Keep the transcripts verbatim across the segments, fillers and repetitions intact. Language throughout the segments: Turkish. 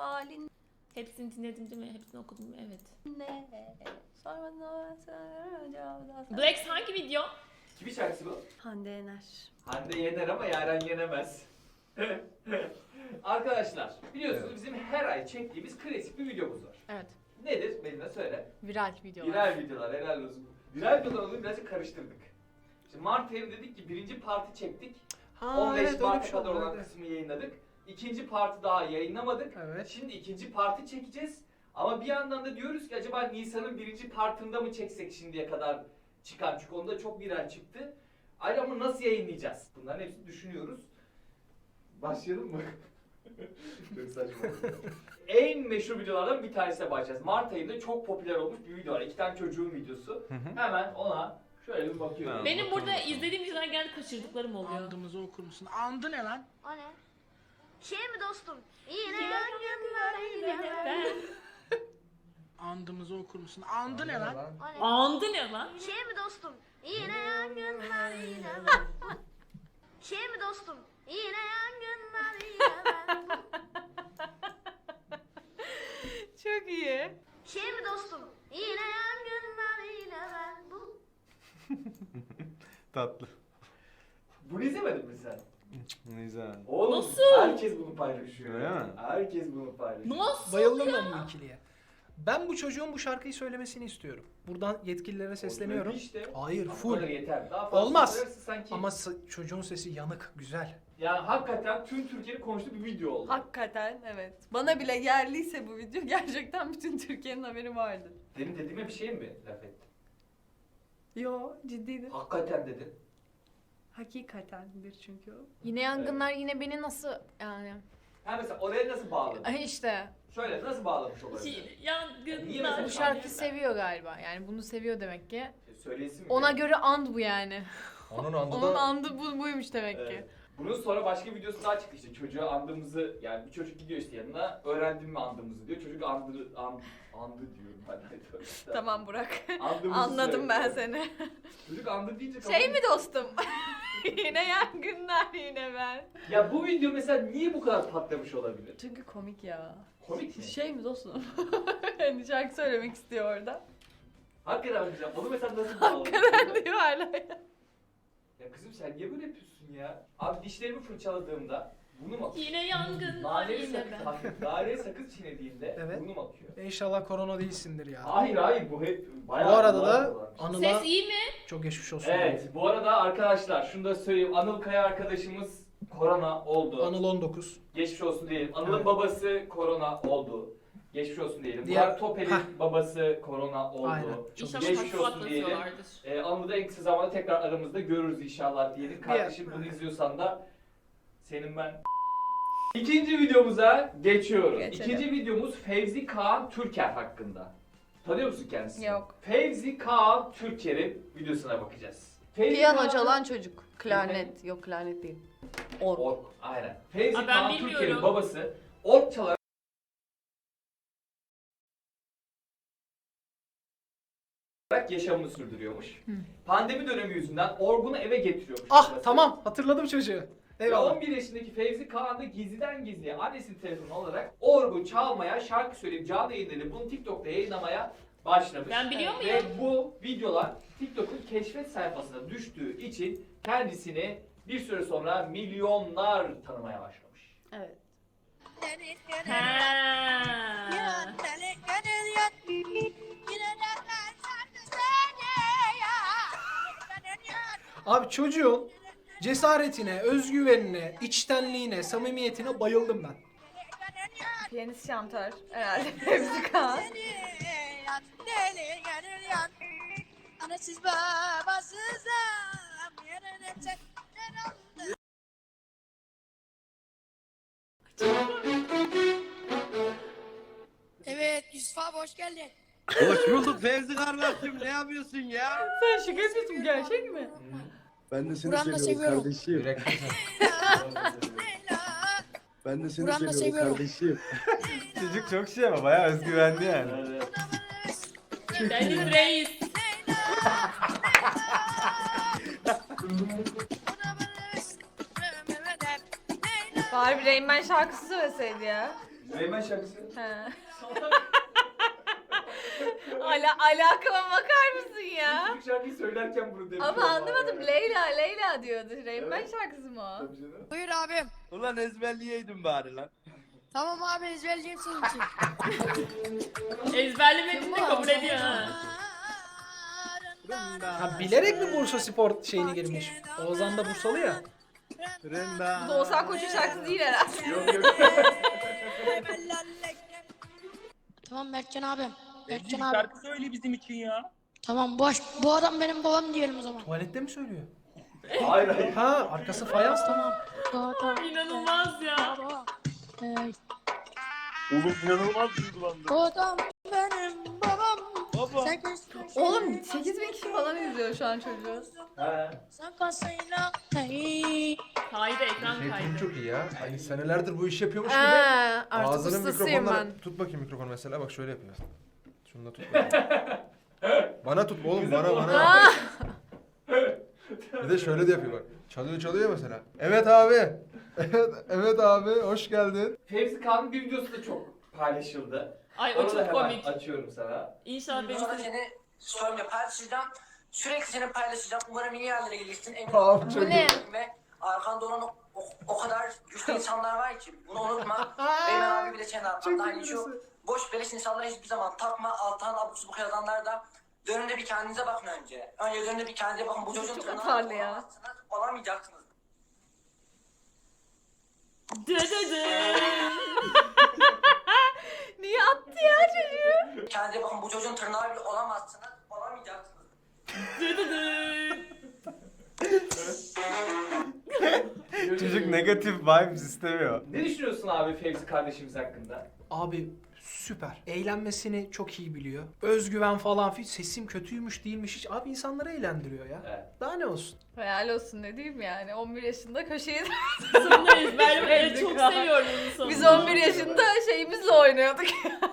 halin Hepsini dinledim değil mi? Hepsini okudum mu? Evet. ne? Sormadan cevabı Black's hangi video? Kimin şarkısı bu? Hande Yener. Hande yener ama Yaren yenemez. Arkadaşlar biliyorsunuz Evet. bizim her ay çektiğimiz klasik bir videomuz var. Evet. Nedir? Melina söyle. Viral videolar. Viral videolar, helal olsun. Viral videolar olduğunu birazcık karıştırdık. Şimdi Mart ayında dedik ki birinci parti çektik. Ha, on beş evet, öyle bir Mart'a şey kadar oldu, olan evet. kısmı yayınladık. İkinci parti daha yayınlamadık. Evet. Şimdi ikinci parti çekeceğiz. Ama bir yandan da diyoruz ki acaba Nisan'ın birinci partında mı çeksek şimdiye kadar çıkan? Çünkü onda çok viral çıktı. Ayrıca ama nasıl yayınlayacağız? Bunların hepsini düşünüyoruz. Başlayalım mı? Çok saçma. En meşhur videolardan bir tanesine başlayacağız. Mart ayında çok popüler olmuş bir video var. İki tane çocuğun videosu. Hemen ona şöyle bir bakıyorum. Ha. Benim bakalım burada bakalım. izlediğim videolar genelde kaçırdıklarım oluyor. Andımızı okur musun? Andı ne lan? O ne? Şey mi dostum? Yine yangınlar yine ben. Andımızı okur musun? Andı ne lan? O ne? Andı ne lan? Şey mi dostum? Yine yangınlar yine ben. Şey mi dostum? Yine yangınlar yine ben. Çok iyi. Şey mi dostum? Yine yangınlar yine ben. Bu. Tatlı. Bunu izlemedin mi sen? Güzel. Oğlum Nasıl? herkes bunu paylaşıyor. Öyle mi? Herkes bunu paylaşıyor. Nasıl Bayıldım ya? ben bu ikiliye. Ben bu çocuğun bu şarkıyı söylemesini istiyorum. Buradan yetkililere sesleniyorum. Öyle işte. Hayır, Bu full. kadar yeter. Daha fazla Olmaz. söylerse sanki... Ama s- çocuğun sesi yanık, güzel. Yani hakikaten tüm Türkiye'nin konuştuğu bir video oldu. Hakikaten evet. Bana bile yerliyse bu video gerçekten bütün Türkiye'nin haberi vardı. Demin dediğime bir şey mi laf ettin? Yo ciddiydi. Hakikaten dedin. Hakikatendir çünkü o. Yine yangınlar yine beni nasıl yani? Ha mesela oraya nasıl bağladın? Ay işte Şöyle nasıl bağlamış olabilir? Şey, Niye Yangınlar. mesela bu şarkı seviyor galiba. Yani bunu seviyor demek ki. Söylesin mi? Ona göre and bu yani. Onun andı Onun da... andı bu, buymuş demek ki. Evet. Bunun sonra başka bir videosu daha çıktı işte. Çocuğa andığımızı, yani bir çocuk gidiyor işte yanına, öğrendin mi andığımızı diyor. Çocuk andı, and, andı diyorum ben de. Tamam Burak. Andığımızı Anladım ben söylüyor. seni. Çocuk andı deyince Şey mi dostum? Yine yangınlar yine ben. Ya bu video mesela niye bu kadar patlamış olabilir? Çünkü komik ya. Komik mi? Şey mi dostum? Hani şarkı söylemek istiyor orada. Hakikaten bakacağım. Onu mesela nasıl bağladın? Hakikaten diyor hala ya. Ya kızım sen niye böyle yapıyorsun ya? Abi dişlerimi fırçaladığımda bunu mu akıyor? Yine yangınlar Naneli yine sakız, ben. bak, naneli sakız çiğnediğinde Evet. bunu mu akıyor? İnşallah korona değilsindir ya. Hayır hayır bu hep Bu bayağı... arada bayağı da dolanmış. Anıl'a Ses iyi mi? çok geçmiş olsun. Evet, bu arada arkadaşlar şunu da söyleyeyim. Anıl Kaya arkadaşımız korona oldu. Anıl on dokuz. Geçmiş olsun diyelim. Anıl'ın Evet. babası korona oldu. Geçmiş olsun diyelim. Diğer- Burak Topel'in Heh. babası korona oldu. Aynen. Çok İnşallah geçmiş hafif olsun diyelim. atlatıyorlardır. Ee, Anıl'ı da en kısa zamanda tekrar aramızda görürüz inşallah diyelim. Kardeşim bunu izliyorsan da senin ben... İkinci videomuza geçiyoruz. Geçelim. İkinci videomuz Fevzi Kağan Türker hakkında. Tanıyor musun kendisini? Yok. Fevzi Kağan Türker'in videosuna bakacağız. Fevzi Piyano Kağan'ın- çalan çocuk. Klarnet. Yok klarnet değil. Org. Ork, aynen. Fevzi Aa, ben Kağan bilmiyorum. Türker'in babası ork çalarak yaşamını sürdürüyormuş. Pandemi dönemi yüzünden orgunu eve getiriyormuş. Ah babası. tamam, hatırladım çocuğu. Ve Eyvallah. on bir yaşındaki Fevzi Kağan da gizliden gizliye annesinin telefonu alarak orgu çalmaya, şarkı söyleyip canlı yayınları bunu TikTok'ta yayınlamaya başlamış. Ben biliyor Ve muyum? bu videolar TikTok'un keşfet sayfasına düştüğü için kendisini bir süre sonra milyonlar tanımaya başlamış. Evet. Ha. Abi çocuğun cesaretine, özgüvenine, içtenliğine, samimiyetine bayıldım ben. Piyanist şantör herhalde Fevzi Kağan. Anasız babasız yerine çekler aldı. Evet Yusuf abi hoş geldin. Hoş bulduk Fevzi kardeşim, ne yapıyorsun ya? Sen şaka yapıyorsun gerçek mi? Ben de seni Buran'ı da seviyorum seviyorum. kardeşim. Ben de seni Buran'ı da seviyorum seviyorum. kardeşim. Çocuk çok şey ama bayağı özgüvenli yani. Deniz Reis. Bari bir Rain Man şarkısı söyleseydi ya. Reymen şarkısı. He. Ala alakama bakar mısın ya? Çocuk şarkıyı söylerken bunu demiş. Ama anlamadım. Leyla Leyla diyordu. Reymen Evet. şarkısı mı o? Tabii canım. Buyur abim. Ulan ezberleyeydin bari lan. Tamam abi ezberleyeyim senin için. Ezberlemediğini de kabul ediyor ha. Ha, bilerek mi Bursa Spor şeyini girmiş? Oğuzhan da Bursalı ya. Renda. Bu da Oğuzhan Koç'un şarkısı değil herhalde. Yok yok. Tamam Berkcan abim. Berkcan Bir abi. şarkı söyle bizim için ya. Tamam boş. Bu adam benim babam diyelim o zaman. Tuvalette mi söylüyor? Hayır hayır. Ha, arkası fayans tamam. Tamam tamam. İnanılmaz ya. Baba. Ee, Oğlum inanılmaz duygulandım. o adam benim babam. Baba. Sen kaçtın. Oğlum sekiz bin kişi falan izliyor şu an çocuğu. Ha. Sen kasayla. Hey. Kaydı ekran Şey kaydı. çok iyi ya. Hani senelerdir bu işi yapıyormuş gibi. Aa, artık Ağzının ustasıyım mikrofonları... ben. Tut bakayım mikrofonu mesela. Bak şöyle yapıyor. Şunu da tut bakayım. Bana tut oğlum bana bana. Aa, Bir de şöyle de yapıyor bak. Çalıyor çalıyor mesela. Evet abi. Evet, evet abi hoş geldin. Fevzi Kağan'ın bir videosu da çok paylaşıldı. Ay o Onu da çok hemen komik. açıyorum sana. İnşallah benim Sonra seni story'imle paylaşacağım. Sürekli seni paylaşacağım. Umarım iyi yerlere gelirsin. Eminim. Abi çok bu ne? Ve arkanda olan o, o, o kadar güçlü insanlar var ki. Bunu unutma. Beymen abi bile senin arkanda. Hani şu boş beleş insanlara hiçbir zaman takma. Alttan abuk subuk yazanlar da dönünde bir kendinize bakın önce. Önce dönünde bir kendinize bakın. Bu çocuğun Çok tırnağı atarlı ya. olamazsınız, olamayacaksınız. Dı dı dı. niye attı ya çocuğu? Kendinize bakın. Bu çocuğun tırnağı bile olamazsınız, olamayacaksınız. Dı dı dı. Çocuk negatif vibes istemiyor. Ne düşünüyorsun abi Fevzi kardeşimiz hakkında? Abi süper. Eğlenmesini çok iyi biliyor. Özgüven falan filan. Sesim kötüymüş değilmiş hiç. Abi insanları eğlendiriyor ya. Evet. Daha ne olsun? Hayal olsun ne diyeyim yani. on bir yaşında köşeyi... Sonunda ezberlemeyi Ezberledik çok ha. seviyorum onun sonunda. Biz on bir yaşında şeyimizle oynuyorduk.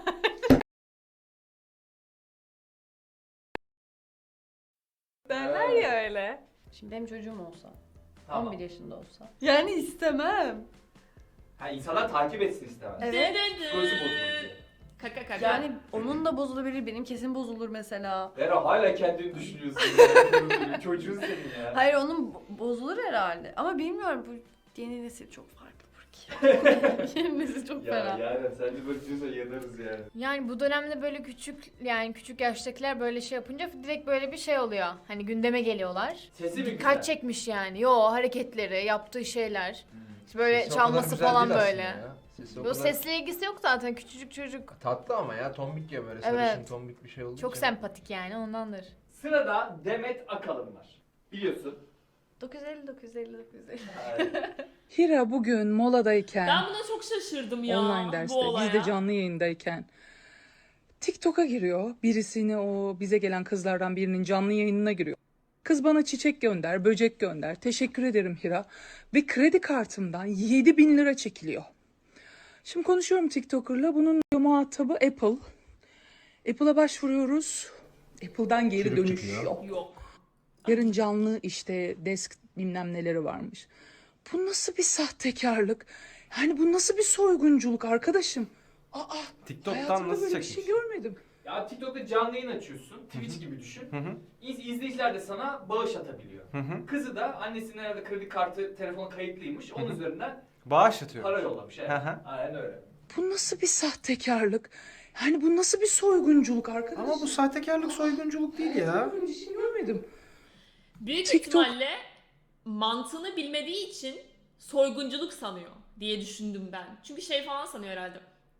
Derler ya öyle. Şimdi benim çocuğum olsa, Tamam. on bir yaşında olsa. Yani istemem. Ha insanlar takip etsin istemez. Evet. Dı dı dı. Psikolojisi bozulur diye. Kaka kaka. Yani onun da bozulabilir, benim kesin bozulur mesela. Vera hala kendini düşünüyorsun. ya. Çocuğun senin ya. Hayır onun bo- bozulur herhalde. Ama bilmiyorum bu yeni nesil çok farklı ki. Yeni nesil çok Ya fena. yani sen de böyle diyorsan yanarız yani. Yani bu dönemde böyle küçük yani küçük yaştakiler böyle şey yapınca direkt böyle bir şey oluyor. Hani gündeme geliyorlar. Sesi mi Dikkat güzel? çekmiş yani. Yo hareketleri, yaptığı şeyler. İşte böyle Sesi o kadar çalması güzel falan değil aslında böyle. ya. Sesi o Bu kadar- sesle ilgisi yok zaten küçücük çocuk. Tatlı ama ya tombik ya böyle Evet. sarışın tombik bir şey olduğu Çok için. sempatik yani ondandır. Sırada Demet Akalın var. Biliyorsun. dokuz yüz elli dokuz yüz elli dokuz yüz elli. Yani Hira bugün moladayken, Ben buna çok şaşırdım ya. online derste, bu olaya. biz de canlı yayındayken TikTok'a giriyor. Birisini o bize gelen kızlardan birinin canlı yayınına giriyor. Kız bana çiçek gönder, böcek gönder. Teşekkür ederim Hira. Ve kredi kartımdan yedi bin lira çekiliyor. Şimdi konuşuyorum TikToker'la. Bunun muhatabı Apple. Apple'a başvuruyoruz. Apple'dan geri Çürük dönüş çıkıyor. yok. Yok. Yarın canlı işte desk bilmem neleri varmış. Bu nasıl bir sahtekarlık? Yani bu nasıl bir soygunculuk arkadaşım? Aa, TikTok'tan hayatımda nasıl böyle bir çekmiş? şey görmedim. ya TikTok'ta canlı yayın açıyorsun. Twitch gibi düşün. Hı hı. İz, izleyiciler de sana bağış atabiliyor. Hı hı. Kızı da annesinin herhalde kredi kartı telefona kayıtlıymış. Onun Hı hı. üzerinden Bağış atıyor. para yollamış. Evet. Hı hı. Aynen öyle. Bu nasıl bir sahtekarlık? Yani bu nasıl bir soygunculuk arkadaşım? Ama bu sahtekarlık soygunculuk değil ya. Böyle bir şey görmedim. Büyük TikTok- ihtimalle mantığını bilmediği için soygunculuk sanıyor diye düşündüm ben. Çünkü şey falan sanıyor herhalde.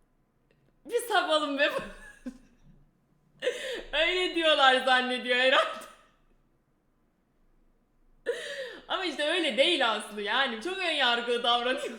Bir sapalım be. Öyle diyorlar zannediyor herhalde. Ama işte öyle değil aslında yani. Çok ön yargılı davranıyorlar.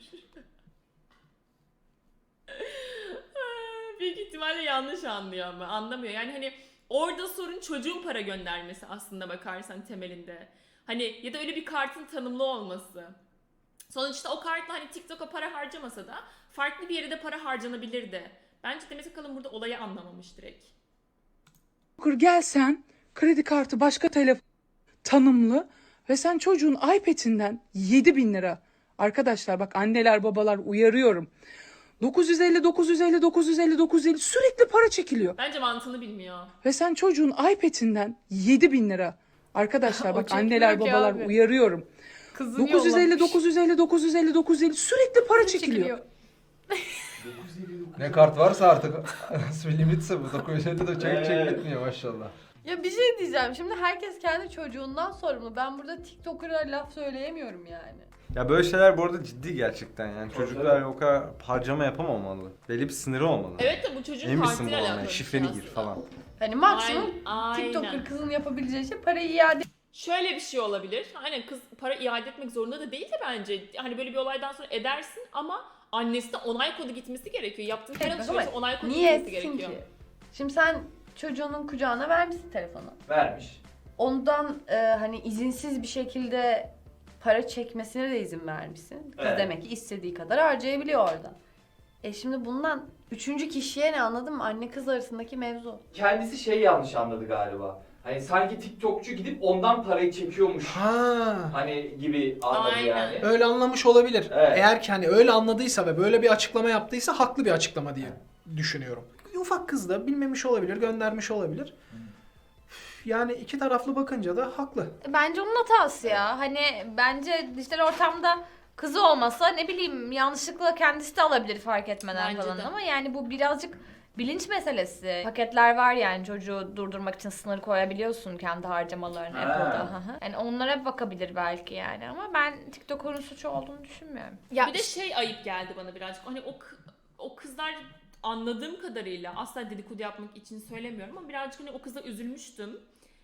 Büyük ihtimalle yanlış anlıyor ama anlamıyor. Yani hani orada sorun çocuğun para göndermesi aslında bakarsan temelinde. Hani ya da öyle bir kartın tanımlı olması. Sonuçta o kartla hani TikTok'a para harcamasa da farklı bir yere de para harcanabilirdi. Bence Demet Akalın burada olayı anlamamış direkt. Gelsen kredi kartı başka telefon tanımlı ve sen çocuğun iPad'inden yedi bin lira. Arkadaşlar bak anneler babalar uyarıyorum. dokuz yüz elli, dokuz yüz elli, dokuz yüz elli, dokuz yüz elli sürekli para çekiliyor. Bence mantığını bilmiyor. Ve sen çocuğun iPad'inden yedi bin lira. Arkadaşlar O bak çekmiyor anneler ki babalar abi. uyarıyorum. Kızını dokuz yüz elli, yollamış. dokuz yüz elli, dokuz yüz elli, dokuz yüz elli sürekli para çekiliyor. Ne kart varsa artık nasıl bir limitse bu dokuz yüz elli de çek çek Evet. bitmiyor maşallah. Ya bir şey diyeceğim. Şimdi herkes kendi çocuğundan sorumlu. Ben burada TikToker'a laf söyleyemiyorum yani. Ya böyle şeyler bu arada ciddi gerçekten yani çocuklar o kadar harcama yapamamalı. Belli bir sınırı olmalı. Evet de bu çocuğun Emin misin partiyle bu alakalı. olmaya? bir şey Şifreni gir aslında. falan. Hani maksimum Aynen. TikToker kızın yapabileceği şey parayı iade Şöyle bir şey olabilir. Aynen kız para iade etmek zorunda da değil de bence. Hani böyle bir olaydan sonra edersin ama annesi de onay kodu gitmesi gerekiyor. Yaptığın her etmez alışverişe ama onay kodu niye gitmesi etsin gerekiyor. ki? Şimdi sen çocuğunun kucağına vermişsin telefonu. Vermiş. Ondan e, hani izinsiz bir şekilde para çekmesine de izin vermişsin. Kız Evet. demek ki istediği kadar harcayabiliyor orada. E şimdi bundan üçüncü kişiye ne, anladın mı? Anne kız arasındaki mevzu. Kendisi şey yanlış anladı galiba. Hani sanki TikTokçu gidip ondan parayı çekiyormuş. Ha. Hani gibi anladı Aynen. yani. Öyle anlamış olabilir. Evet. Eğer ki hani öyle anladıysa ve böyle bir açıklama yaptıysa haklı bir açıklama diye düşünüyorum. Ufak kız da bilmemiş olabilir, göndermiş olabilir. Yani iki taraflı bakınca da haklı. Bence onun hatası ya. Hani bence dijital ortamda kızı olmasa ne bileyim yanlışlıkla kendisi de alabilir fark etmeden Bence falan de. ama yani bu birazcık bilinç meselesi. Paketler var yani çocuğu durdurmak için sınır koyabiliyorsun kendi harcamalarını Ha. Apple'da. Hı hı. Yani onlara bakabilir belki yani ama ben TikTok'un suçu olduğunu düşünmüyorum. Ya Bir de şey ayıp geldi bana birazcık. Hani o kı- o kızlar anladığım kadarıyla asla dedikodu yapmak için söylemiyorum ama birazcık hani o kıza üzülmüştüm.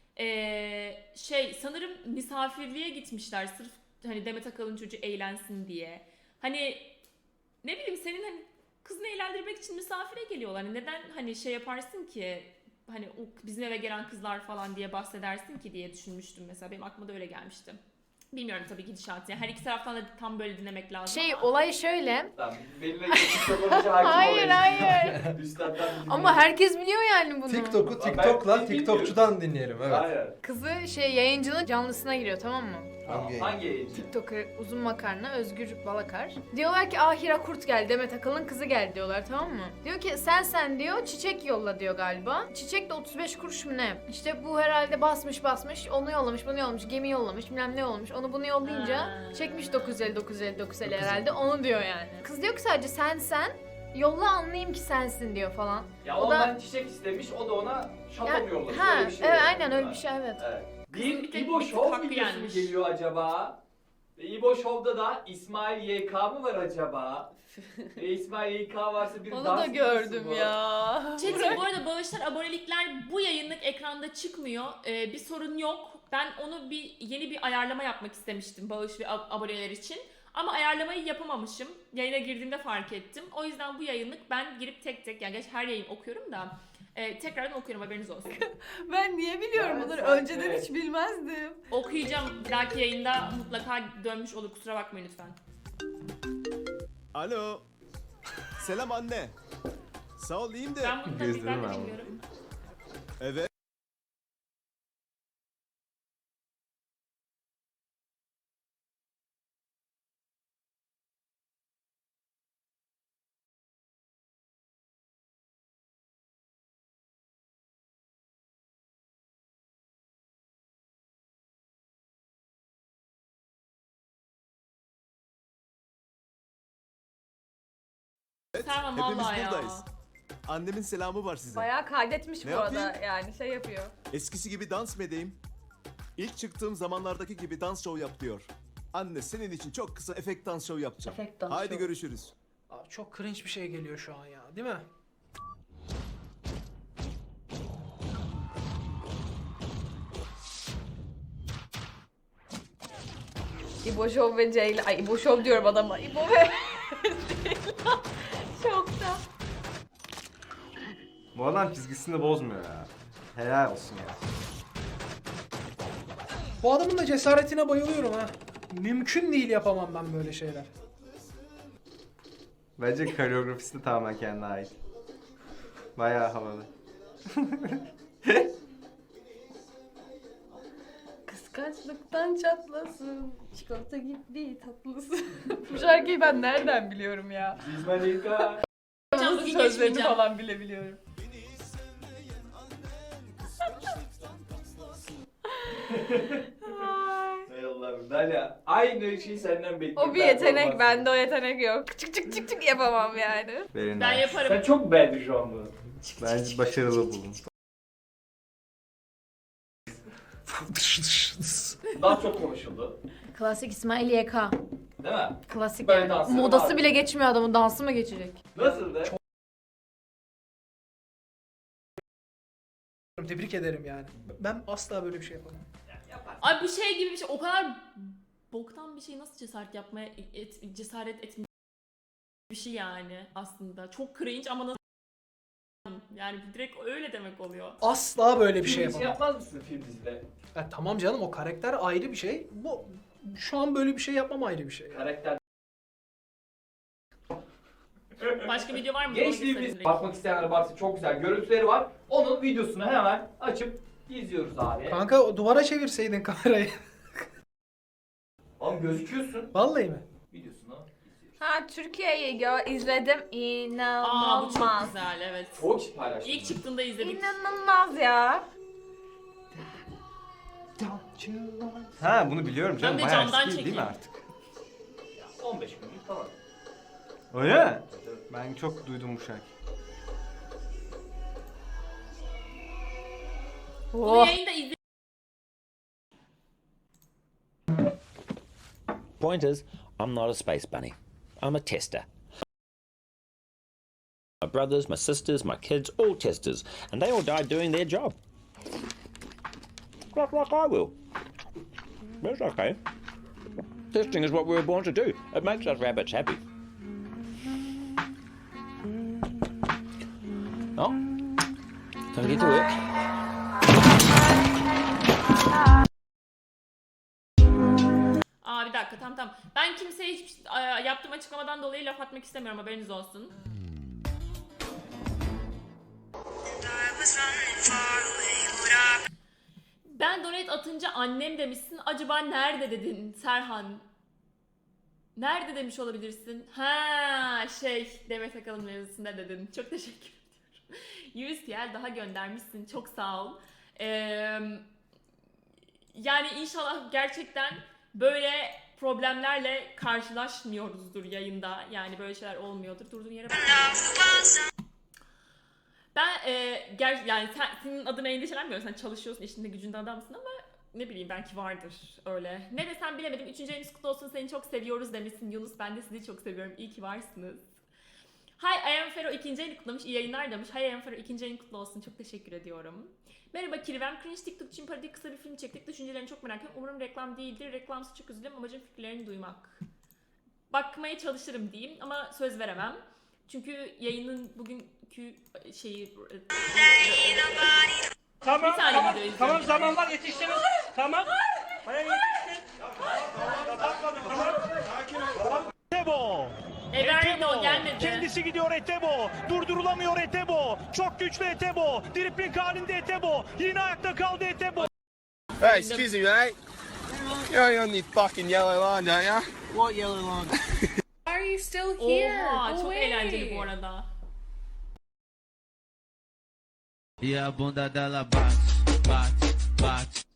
Ee, şey sanırım misafirliğe gitmişler sırf hani Demet Akalın çocuğu eğlensin diye. Hani ne bileyim senin hani kızını eğlendirmek için misafire geliyorlar. Hani neden hani şey yaparsın ki hani o bizim eve gelen kızlar falan diye bahsedersin ki diye düşünmüştüm mesela. Benim aklıma da öyle gelmişti. Bilmiyorum tabii gidişatı. Yani her iki taraftan da tam böyle dinlemek lazım. şey ama. olay şöyle. Tamam. Benimle TikTok olunca hakim Hayır olayım. hayır. Üstattan bir dinleyelim. Ama herkes biliyor yani bunu. TikTok'u Ben- TikTok'la biz TikTokçudan dinleyelim evet. Aynen. Kızı şey yayıncının canlısına giriyor tamam mı? Hangi? Hangi yayıncı? TikToker uzun makarna Özgür Balakar. Diyorlar ki Ahira Kurt geldi, Demet Akalın kızı geldi diyorlar tamam mı? Diyor ki sen sen diyor çiçek yolla diyor galiba. Çiçek de otuz beş kuruş mu ne? İşte bu herhalde basmış basmış onu yollamış bunu yollamış gemi yollamış bilmem ne olmuş. Onu bunu yollayınca Ha. çekmiş dokuz yüz elli dokuz yüz elli dokuz yüz elli herhalde onu diyor yani. Kız diyor ki sadece sen sen yolla anlayayım ki sensin diyor falan. Ya O da- ondan çiçek istemiş, o da ona şato Ya- mu yollamış? ha, Öyle bir şey evet yani. aynen öyle bir şey evet. Evet. Kızın Bir bir tek- İbo bir tık Show hakkı videosu mu yenmiş. geliyor acaba? Ve İbo Show'da da İsmail Y K mı var acaba? e, İsmail Y K varsa bir Onu dans da videosu gördüm bu. ya. Çetin bu arada bağışlar, abonelikler bu yayınlık ekranda çıkmıyor. Ee, bir sorun yok. Ben onu bir yeni bir ayarlama yapmak istemiştim bağış ve ab- aboneler için. Ama ayarlamayı yapamamışım. Yayına girdiğimde fark ettim. O yüzden bu yayınlık ben girip tek tek, yani geç her yayın okuyorum da e, tekrardan okuyorum haberiniz olsun. Ben niye biliyorum Evet, bunları? sen- Önceden evet. hiç bilmezdim. Okuyacağım. Bir dahaki yayında mutlaka dönmüş olur. Kusura bakmayın lütfen. Alo. Selam anne. Sağ ol iyiyim de. Ben bunu tabii Gezdirim ben de ben bunu. bilmiyorum. Evet. Tamam Hepimiz vallahi ya. buradayız. Annemin selamı var size. Bayağı kaydetmiş Ne bu arada yapayım? yani şey yapıyor. Eskisi gibi dans mı edeyim? İlk çıktığım zamanlardaki gibi dans show yap diyor. Anne senin için çok kısa efekt dans show yapacağım. Efekt dans Haydi show. görüşürüz. Abi çok cringe bir şey geliyor şu an ya, değil mi? İbo Show ve Ceyla. Ay İbo Show diyorum adama. İbo ve Ceyla. Şokta. Bu adam çizgisini bozmuyor ya. Helal olsun ya. Bu adamın da cesaretine bayılıyorum ha. Mümkün değil yapamam ben böyle şeyler. Bence koreografisi de tamamen kendine ait. Bayağı havalı. Kıskançlıktan çatlasın. Çikolata gibi tatlısın. Bu şarkıyı ben nereden biliyorum ya? İsmail Y K Sözlerini geçmeyeceğim. falan bile biliyorum. Hay Allah'ım. Dalia aynı şeyi senden bekliyorum. O bir yetenek, bende o yetenek yok. Çık çık çık çık yapamam yani. Verin Ben abi. yaparım. Sen çok beğendin şu an bunu. Ben başarılı buldum. Daha çok konuşuldu. Klasik İsmail Y K. Değil mi? Klasik Böyle yani. dansları Modası var. bile geçmiyor adamın, dansı mı geçecek? Nasıldı? Tebrik ederim yani. Ben asla böyle bir şey yapamam. Ay bu şey gibi bir şey, o kadar boktan bir şey nasıl cesaret yapmaya et, cesaret etme bir şey yani aslında. Çok cringe ama nasıl yani direkt öyle demek oluyor. Asla böyle bir şey Film yapamam. yapmaz mısın film dizide? Ya tamam canım, o karakter ayrı bir şey. Bu şu an böyle bir şey yapmam ayrı bir şey. Yani. Karakter. Başka video var mı? Gençliğimiz bakmak isteyenler varsa çok güzel görüntüleri var. Onun videosunu hemen açıp izliyoruz abi. Kanka o duvara çevirseydin kamerayı. Oğlum gözüküyorsun. Vallahi mi? Videosunu izliyoruz. Ha, Türkiye'yi gö izledim. Aa bu İnanılmaz. çok güzel, evet. Çok kişi paylaştı. İlk çıktığında izledik. İnanılmaz ya. Ha bunu biliyorum canım. Ben de Bayağı camdan eski değil mi çekeyim. artık? on beş günlük falan. Öyle mi? Ben çok duydum bu şarkıyı. Bunu yayında izle. Point is, I'm not a space bunny. I'm a tester. My brothers, my sisters, my kids, all testers, and they all died doing their job. Like, like I will. That's okay. Testing is what we were born to do. It makes us rabbits happy. Oh, time to get to work. Aa bir dakika, tamam tamam. Ben kimseye hiç yaptığım açıklamadan dolayı laf atmak istemiyorum, haberiniz olsun. Ben donate atınca annem demişsin. Acaba nerede dedin Serhan? Nerede demiş olabilirsin? Ha şey Demet Akalın mevzusunda dedin. Çok teşekkür ediyorum. yüz T L daha göndermişsin. Çok sağ ol. Ee, yani inşallah gerçekten böyle problemlerle karşılaşmıyoruzdur yayında. Yani böyle şeyler olmuyordur. Durduğun yere bak. Ben e, ger yani sen, senin adına endişelenmiyorum. Sen çalışıyorsun, işinde gücünde adamsın ama ne bileyim belki vardır öyle. Ne desem bilemedim. Üçüncü ayınız kutlu olsun, seni çok seviyoruz demişsin Yunus. Ben de sizi çok seviyorum. İyi ki varsınız. Hi I am Fero ikinci ayını kutlamış. İyi yayınlar demiş. Hi I am Fero ikinci ayını kutlu olsun. Çok teşekkür ediyorum. Merhaba Kirvem. Cringe TikTok için parodi kısa bir film çektik. Düşüncelerini çok merak ediyorum. Umarım reklam değildir. Reklamsız çok üzülürüm. Amacım fikirlerini duymak. Bakmaya çalışırım diyeyim ama söz veremem. Çünkü yayının bugünkü şeyi... Tamam, bir tane tamam, video izliyorum. tamam zaman var yetiştiniz. Tamam. Baya yetiştin. Etebo. E vermedi o, gelmedi. Kendisi gidiyor Etebo. Durdurulamıyor Etebo. Çok güçlü Etebo. Dripling halinde Etebo. Yine ayakta kaldı Etebo. Hey, excuse me, mate. You're on the fucking yellow line, don't you? What yellow line? Why are you still here? Oha Go çok away. eğlenceli bu arada. E a bunda dela bate, bate, bate.